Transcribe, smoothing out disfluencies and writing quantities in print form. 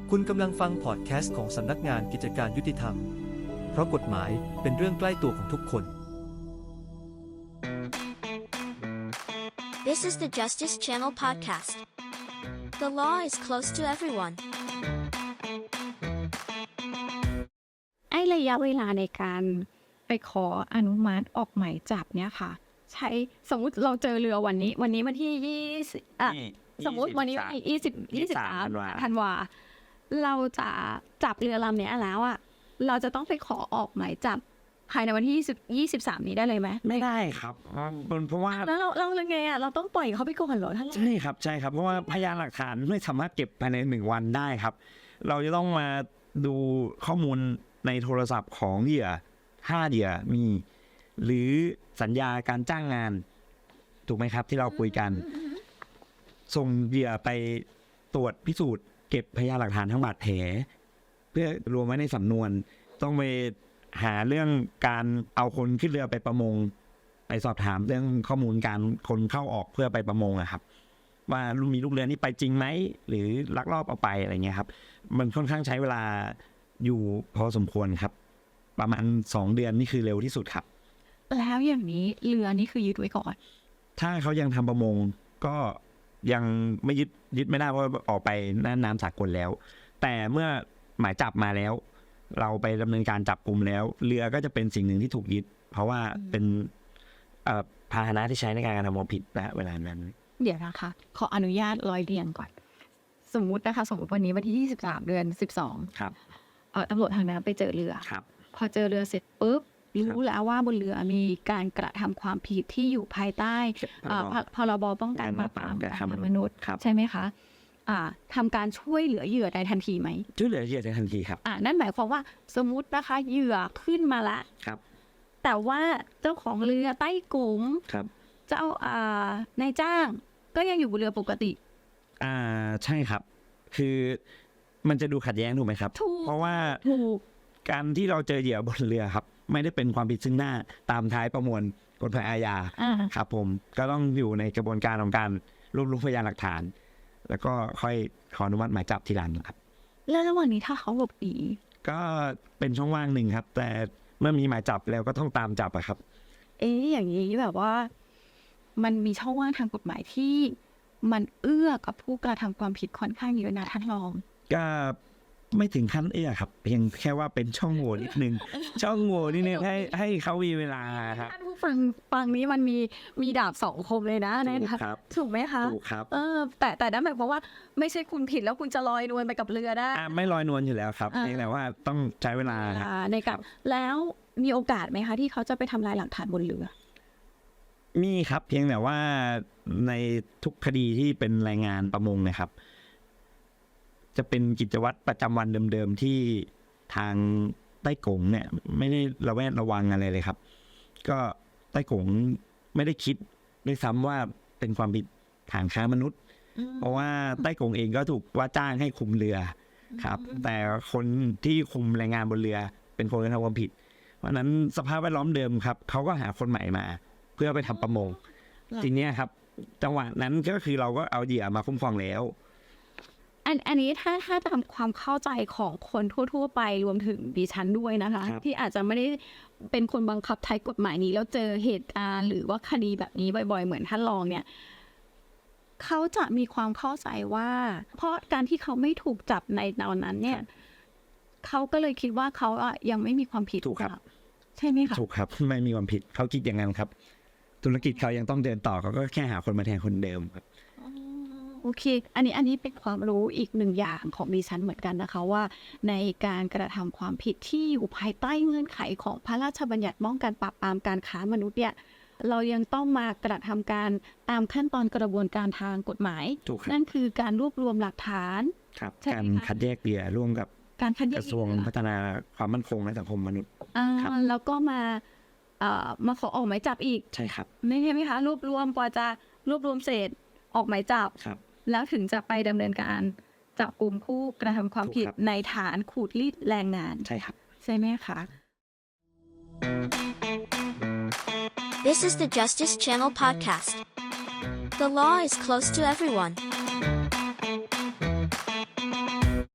คุณกำลังฟังพอดแคสต์ของสำนักงานกิจการยุติธรรม เพราะกฎหมายเป็นเรื่องใกล้ตัวของทุกคน This is the Justice Channel podcast. The law is close to everyone. ระยะเวลาในการไปขออนุมัติออกหมายจับเนี่ยค่ะใช้สมมุติเราเจอเรือวันนี้วันที่20สมมุติวันนี้23ธันวาเราจะจับเรือลำเนี้ยแล้วอ่ะเราจะต้องไปขอออกหมายจับภายในวันที่23นี้ได้เลยไหมไม่ได้ครับเพราะว่าแล้วเราไงอ่ะเราต้องปล่อยเขาไปก่อนเหรอท่านใช่ครับเพราะว่าพยานหลักฐานไม่สามารถเก็บภายใน1 วันได้ครับเราจะต้องมาดูข้อมูลในโทรศัพท์ของเหยื่อ5 เหยื่อมีหรือสัญญาการจ้างงานถูกไหมครับที่เราคุยกันส่งเหยื่อไปตรวจพิสูจน์เก็บพยานหลักฐานทั้งบาดแผลเพื่อรวมไว้ในสำนวนต้องไปหาเรื่องการเอาคนขึ้นเรือไปประมงไปสอบถามเรื่องข้อมูลการคนเข้าออกเพื่อไปประมงอะครับว่ามีลูกเรือนี้ไปจริงไหมหรือลักลอบเอาไปอะไรเงี้ยครับมันค่อนข้างใช้เวลาอยู่พอสมควรครับประมาณ2 เดือนนี่คือเร็วที่สุดครับแล้วอย่างนี้เรือนี่คือยึดไว้ก่อนถ้าเขายังทำประมงก็ยังไม่ยึดไม่ได้เพราะออกไปน่านน้ำสากลแล้วแต่เมื่อหมายจับมาแล้วเราไปดำเนินการจับกุมแล้วเรือก็จะเป็นสิ่งหนึ่งที่ถูกยึดเพราะว่าเป็นพาหนะที่ใช้ในการกระทำความผิดณเวลานั้นเดี๋ยวนะคะขออนุญาตร้อยเรียงก่อนสมมุติวันนี้วันที่23 เดือน 12 ครับตำรวจทางน้ำไปเจอเรือครับพอเจอเรือเสร็จปุ๊บรู้แล้วว่าบนเรือมีการกระทำความผิดที่อยู่ภายใต้พรบป้องกันปราบปรามการค้ามนุษย์ใช่ไหมคะทำการช่วยเหลือเหยื่อได้ทันทีไหมช่วยเหลือเหยื่อได้ทันทีครับนั่นหมายความว่าสมมุตินะคะเหยื่อขึ้นมาละครับแต่ว่าเจ้าของเรือใต้กุ๋มเจ้านายจ้างก็ยังอยู่บนเรือปกติใช่ครับคือมันจะดูขัดแย้งถูกไหมครับเพราะว่าการที่เราเจอเหยื่อบนเรือครับไม่ได้เป็นความผิดซึ่งหน้าตามท้ายประมวลกฎหมายอาญาครับผมก็ต้องอยู่ในกระบวนการของการรวบรวมพยานหลักฐานแล้วก็ค่อยขออนุมัติหมายจับทีหลังครับแล้วระหว่างนี้ถ้าเขาหลบหนีก็เป็นช่องว่างหนึ่งครับแต่เมื่อมีหมายจับแล้วก็ต้องตามจับอะครับอย่างนี้แบบว่ามันมีช่องว่างทางกฎหมายที่มันเอื้อกับผู้กระทำความผิดค่อนข้างเยอะนะท่านรองก็ไม่ถึงขั้นครับเพียงแค่ว่าเป็นช่องโหว่นิดนึงช่องโหว่นิดนึงให้เขามีเวลาครับท่านผู้ฟังนี้มันมีดาบ2 คมเลยนะนะครับถูกไหมคะถูกครับแต่นั่นหมายความว่าไม่ใช่คุณผิดแล้วคุณจะลอยนวลไปกับเรือได้ไม่ลอยนวลอยู่แล้วครับเพียงแต่ว่าต้องใช้เวลาในการแล้วมีโอกาสไหมคะที่เขาจะไปทำลายหลักฐานบนเรือมีครับเพียงแต่ว่าในทุกคดีที่เป็นรายงานประมงนะครับจะเป็นกิจวัตรประจำวันเดิมๆที่ทางใต้กงเนี่ยไม่ได้ระแวดระวังอะไรเลยครับก็ใต้กงไม่ได้คิดด้วยซ้ำว่าเป็นความผิดฐานค้ามนุษย์เพราะว่าใต้กงเองก็ถูกว่าจ้างให้คุมเรือครับแต่คนที่คุมแรงงานบนเรือเป็นคนที่ทำความผิดเพราะนั้นสภาพแวดล้อมเดิมครับเขาก็หาคนใหม่มาเพื่อไปทำประมงทีนี้ครับจังหวะนั้นก็คือเราก็เอาเหยื่อมาคุ้มครองแล้วอันนี้ถ้าตามความเข้าใจของคนทั่วๆไปรวมถึงดิฉันด้วยนะคะที่อาจจะไม่ได้เป็นคนบังคับใช้กฎหมายนี้แล้วเจอเหตุการณ์หรือว่าคดีแบบนี้บ่อยๆเหมือนท่านรองเนี่ยเขาจะมีความเข้าใจว่าเพราะการที่เขาไม่ถูกจับในตอนนั้นเนี่ยเขาก็เลยคิดว่าเขายังไม่มีความผิดถูกครับใช่ไหมคะถูกครับไม่มีความผิดเขาคิดอย่างนั้นครับธุรกิจเขายังต้องเดินต่อเขาก็แค่หาคนมาแทนคนเดิมครับโอเคอันนี้เป็นความรู้อีก1 อย่างของดิฉันเหมือนกันนะคะว่าในการกระทำความผิดที่อยู่ภายใต้เงื่อนไขของพระราชบัญญัติป้องกันปราบปรามการค้ามนุษย์เนี่ยเรายังต้องมากระทำการตามขั้นตอนกระบวนการทางกฎหมายนั่นคือการรวบรวมหลักฐานการคัดแยกเหยื่อร่วมกับการคัดแยกกระทรวงพัฒนาความมั่นคงและสังคมมนุษย์แล้วก็มาขอออกหมายจับอีกใช่ครับนี่ใช่ไหมคะรวบรวมกว่าจะรวบรวมเสร็จออกหมายจับแล้วถึงจะไปดำเนินการจับกุมผู้กระทำความผิดในฐานขูดรีดแรงงานใช่ครับใช่ไหมคะ This is the Justice Channel podcast. The law is close to everyone.